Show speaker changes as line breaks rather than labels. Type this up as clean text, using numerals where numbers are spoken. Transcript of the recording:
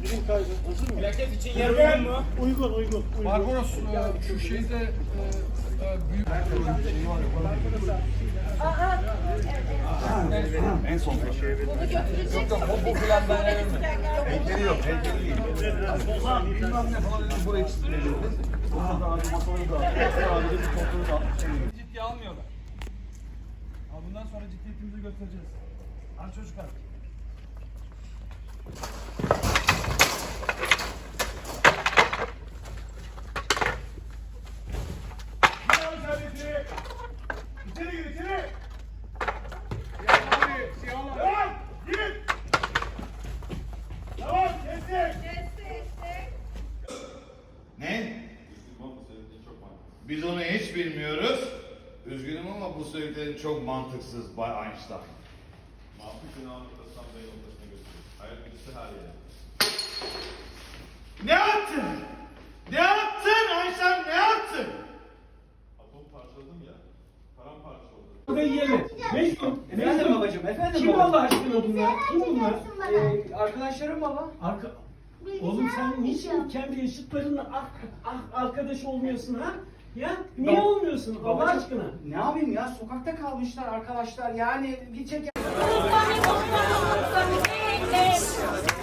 Birim kaydı. Hazır mı?
Plaket için yer uygun mu?
Uygun.
Barbaros şu şeyde büyük şeyi var ya.
En son.
Bunu götürecek.
Bu plandan
Heykeli yok, heykeli değil. Bilmem ne falan dedim, buraya eksiltmeyelim. Onu da abi, masaları da abi, abi de bir kontrolü da abi.
ciddiye almıyorlar. Ama bundan sonra ciddiyetimizi göstereceğiz. Hadi çocuklar.
İçeri gir içeri. Tamam kestik.
Ne? Biz onu hiç bilmiyoruz. Üzgünüm ama bu söylediklerin çok mantıksız Bay Einstein. Ne yaptın? Ne yaptın Einstein, ne yaptın?
Efendim babacığım, efendim
Kim
baba.
Allah aşkına bunlar? Kim bunlar?
Arkadaşlarım baba.
Oğlum sen niçin kendi yaşıtlarınla arkadaş olmuyorsun ha? Ya niye olmuyorsun Allah
Babacığım,
aşkına?
Ne yapayım ya? Sokakta kalmışlar arkadaşlar. Yani gidecek.